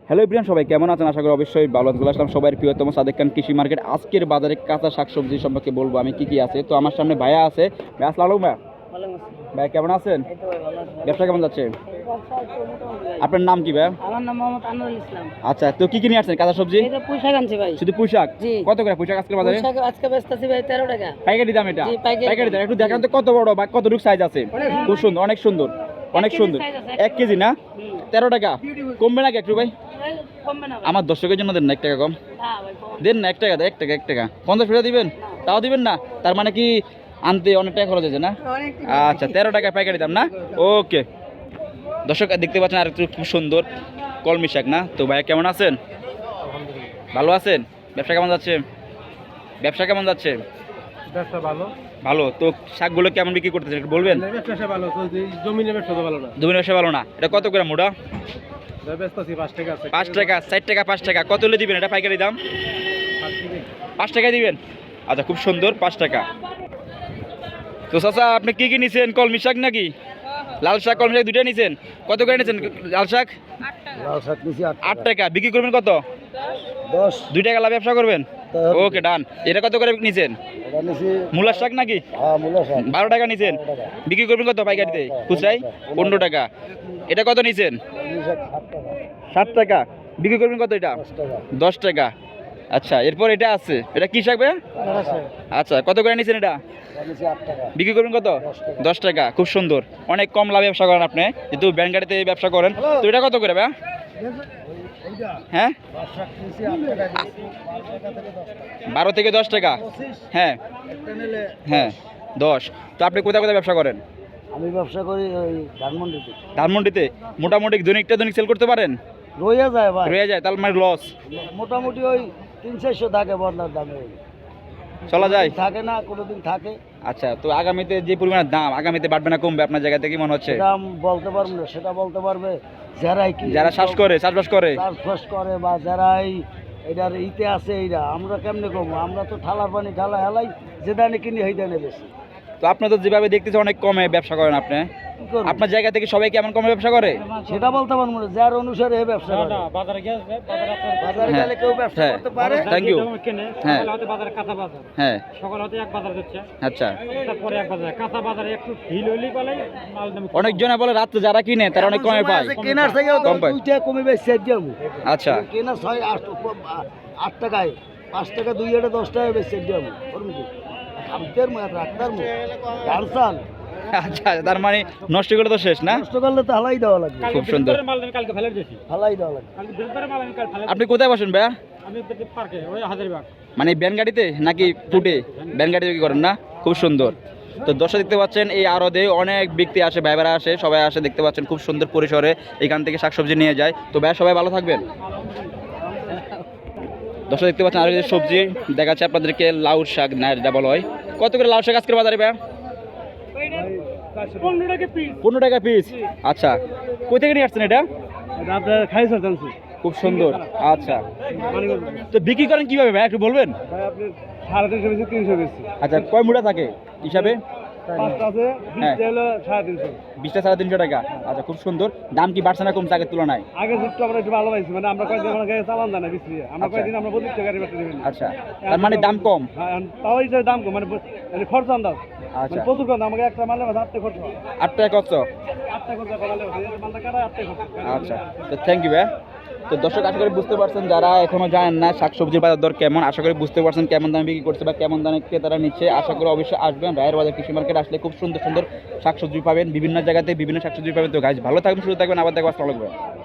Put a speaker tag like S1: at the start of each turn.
S1: Hello everyone, সবাই কেমন আছেন? আশা করি অবশ্যই ভালো আছেন। আসলাম সবার প্রিয়তম সাদেক খান কৃষি মার্কেট। আজকের বাজারে কাঁচা শাকসবজি সম্পর্কে বলবো আমি কি কি আছে। তো আমার সামনে ভাইয়া আছে। ভাই আসসালামু আলাইকুম। ভাই কেমন আছেন? ব্যবসা কেমন যাচ্ছে? আপনার নাম কি ভাই?
S2: আমার নাম মোহাম্মদ আনোয়ারুল ইসলাম।
S1: আচ্ছা, তো কি কি নিয়ে আসছেন কাঁচা সবজি?
S2: এই যে পুঁই শাক আনছি ভাই।
S1: শুধু পুঁই শাক?
S2: জি।
S1: কত করে পুঁই শাক আজকের বাজারে?
S2: পুঁই শাক আজকে বেচতেছি ভাই 13 টাকা।
S1: পাইকারি দাম এটা?
S2: জি, পাইকারি
S1: দাম। একটু দেখান তো কত বড় বা কতটুকু সাইজ আছে? খুব সুন্দর, অনেক সুন্দর, অনেক সুন্দর। 1 কেজি না? 13 টাকা কমবে নাকি একটু ভাই?
S2: কমবে না ভাই।
S1: আমার দর্শকের জন্য দেন না 1 টাকা কম।
S2: না ভাই কম।
S1: দেন না 1 টাকা, 1 টাকা 50 পয়সা দিবেন? তাও দিবেন না? তার মানে কি আনতে অনেক টাকা খরচ হয়েছে না? আচ্ছা, 13 টাকা পাইকারি দাম না? ওকে। দর্শক দেখতে পাচ্ছেন আর একটু খুব সুন্দর কলমি শাক না? তো ভাইয়া কেমন আছেন? ভালো আছেন? ব্যবসা কেমন যাচ্ছে? ব্যবসা কেমন যাচ্ছে?
S3: ব্যবসা ভালো।
S1: ভালো। তো শাকগুলো কেমন বিক্রি করতেছেন একটু বলবেন?
S3: ব্যবসা ভালো চলছে, জমিনের ব্যবসা তো ভালো না।
S1: জমির ব্যবসা ভালো না? এটা কত করে মোটা?
S3: বেচতেছি 5 টাকা আছে।
S1: 5 টাকা, 4 টাকা, 5 টাকা। কত হলে দিবেন এটা পাইকারি দাম? 5 টাকায় দিবেন? আচ্ছা, খুব সুন্দর, 5 টাকা। তো চাচা আপনি কি কি নিছেন? কলমি শাক নাকি? লাল শাক কলমি শাক দুইটা নিছেন? কত করে নিছেন লাল শাক?
S3: লাল শাক নিছি
S1: 8 টাকা। বিক্রি করবেন কত?
S3: 10
S1: 2 টাকা লাভ ব্যবসা করবেন? ওকে, ডান। এটা কত করে নিছেন?
S3: এটা নিছি।
S1: মূলার শাক নাকি?
S3: হ্যাঁ, মূলা শাক
S1: 12 টাকা নিছেন। বিক্রি করবেন কত পাইকারিতে? খুচরাই 15 টাকা। এটা কত নিছেন? 7 টাকা। বিক্রি করবেন কত এটা? 10 টাকা। আচ্ছা, এরপর এটা আছে, এটা কি শাক ভাই? আচ্ছা, কত করে নিছেন এটা? বিক্রি করবেন কত? 10 টাকা। খুব সুন্দর, অনেক কম লাভে ব্যবসা করেন আপনি, যেহেতু ব্যাংক গাড়িতে ব্যবসা করেন। তো এটা কত করে ভাই? হ্যাঁ, 12 থেকে 10 টাকা। হ্যাঁ হ্যাঁ, 10। তো আপনি কোথায় কোথায় ব্যবসা করেন?
S3: আমি ব্যবসা করি ওই ধানমন্ডিতে।
S1: ধানমন্ডিতে? মোটামুটি দৈনিক সেল করতে পারেন?
S3: রইয়া যায় ভাই,
S1: রয়ে যায়, তাহলে মানে লস।
S3: মোটামুটি ওই 300-400 থাকে বদলার দামে।
S1: চলা যায়?
S3: থাকে না, কোনোদিন থাকে।
S1: আচ্ছা, তো আগামীতে যে পরিমাণ দাম, আগামীতে বাড়বে না কমবে আপনার জায়গা থেকে মনে হচ্ছে?
S3: সেটা আমি বলতে পারবো না, সেটা বলতে পারবে
S1: যারা চাষবাস করে
S3: চাষবাস করে বা যারা এটার ইতে আছে। এইটা আমরা কেমনে করবো? আমরা তো ঠালার পানি ঠালা হেলাই, যে দানে কিনি সেই দানে বেশি।
S1: তো আপনি তো যেভাবে দেখতেছেন অনেক কমে ব্যবসা করেন আপনি,
S3: কি করবো?
S1: আপনার জায়গা থেকে সবাই কেমন কমে ব্যবসা করে?
S3: সেটা বলতে পারবো না, যার অনুসারে এই ব্যবসা করে। বাজারে
S1: হ্যাঁ,
S3: গেলে কেউ ব্যবসা
S1: হ্যাঁ,
S3: করতে পারে।
S1: Thank you. হ্যাঁ
S4: বাজারে কাঁচা বাজার
S1: হ্যাঁ,
S4: সকাল হতে এক বাজার হচ্ছে,
S1: আচ্ছা।
S4: তারপরে এক বাজার কাঁচা বাজারে একটু ঢিল হইলেই বলে মাল দাম কম।
S1: অনেকজনে বলে রাত্রে যারা কিনে তারা অনেক কমে পায়।
S3: কেনার থেকেও
S1: কম পায়।
S3: 2 টাকা কমে বেশি যাবো।
S1: আচ্ছা,
S3: কেনা 8 টাকায়, 5 টাকা 2 এটা 10 টাকা বেশি যাবো। খামতের মুখ রাখতার মুখ ডালসাল
S1: আচ্ছা, তার মানে নষ্ট করে তো শেষ না?
S3: নষ্ট করলে তো হালাই দেওয়া লাগবে।
S4: কালকে
S1: খুব সুন্দর।
S4: বৃহস্পতিবারের মাল আমি কালকে ফেলে দিয়েছি,
S3: হালাই দেওয়া লাগবে।
S4: কালকে বৃহস্পতিবারের মাল আমি কাল ফেলে
S1: আপনি কোথায় বসেন ভাইয়া?
S4: আমি পার্কে ওই হাজারবাগ।
S1: মানে ব্যান গাড়িতে নাকি ফুটে? ব্যান গাড়িতে কি করেন না? খুব সুন্দর। তো দর্শক দেখতে পাচ্ছেন এই আড়তে অনেক ব্যক্তি আসে, ভাইবেরা আসে, সবাই আসে, দেখতে পাচ্ছেন খুব সুন্দর পরিসরে এখান থেকে শাকসবজি নিয়ে যায়। তো ভাইয়া সবাই ভালো থাকবেন। দর্শক দেখতে পাচ্ছেন আর এই যে সবজি দেখাচ্ছে আপনাদেরকে, লাউ শাক না যেটা বলা হয়। কত করে লাউ শাক আজকের বাজারে ভাইয়া?
S4: 15 টাকা পিস।
S1: 15 টাকা পিস। আচ্ছা, কই থেকে নিয়ে আসছেন এটা?
S4: আপনার খাইছে জানছি
S1: খুব সুন্দর। আচ্ছা, তো বিক্রি করেন কিভাবে ভাই একটু বলবেন?
S4: ভাই আপনি 350 বেশি 300 বেশি।
S1: আচ্ছা, কয় মুঠা থাকে হিসাবে?
S4: 5টা আছে,
S1: হ্যাঁ।
S4: 20টা হলো 350।
S1: 20টা 350 টাকা। আচ্ছা, খুব সুন্দর। দাম কি বাড়ছে না কমছে আগের তুলনায়?
S4: আগে একটু আমরা একটু ভালো পাইছি, মানে আমরা কয়েকদিন আমরা গায়ে চালান জানা বিক্রি, আমরা
S1: আচ্ছা।
S4: কয়েকদিন আমরা 25 টাকা বেচতে দিবেন।
S1: আচ্ছা, তার মানে দাম কম।
S4: হ্যাঁ, তাও এই যে দাম কম, মানে মানে খরচ আন্দাজ,
S1: আচ্ছা,
S4: মানে প্রচুর কম। আমাকে একটা মালে 8 টাকা খরচ হয়,
S1: 8 টাকা কত?
S4: 8 টাকা খরচ করালে মালটা কাটা 8 টাকা খরচ।
S1: আচ্ছা, তো থ্যাংক ইউ ভাই। তো দর্শক আশা করি বুঝতে পারছেন, যারা এখনো জানেন না শাকসবজির বাজার দর কেমন, আশা করি বুঝতে পারছেন কেমন দামে বিক্রি করছে বা কেমন দামে ক্রেতারা নিচ্ছে। আশা করি অবশ্যই আসবেন রায়ের বাজার কৃষি মার্কেট, আসলে খুব সুন্দর সুন্দর শাকসবজি পাবেন, বিভিন্ন জায়গাতে বিভিন্ন শাকসবজি পাবেন। তো গাছ ভালো থাকবেন, সুস্থ থাকবেন, আবার দেখবো। আসসালামু আলাইকুম।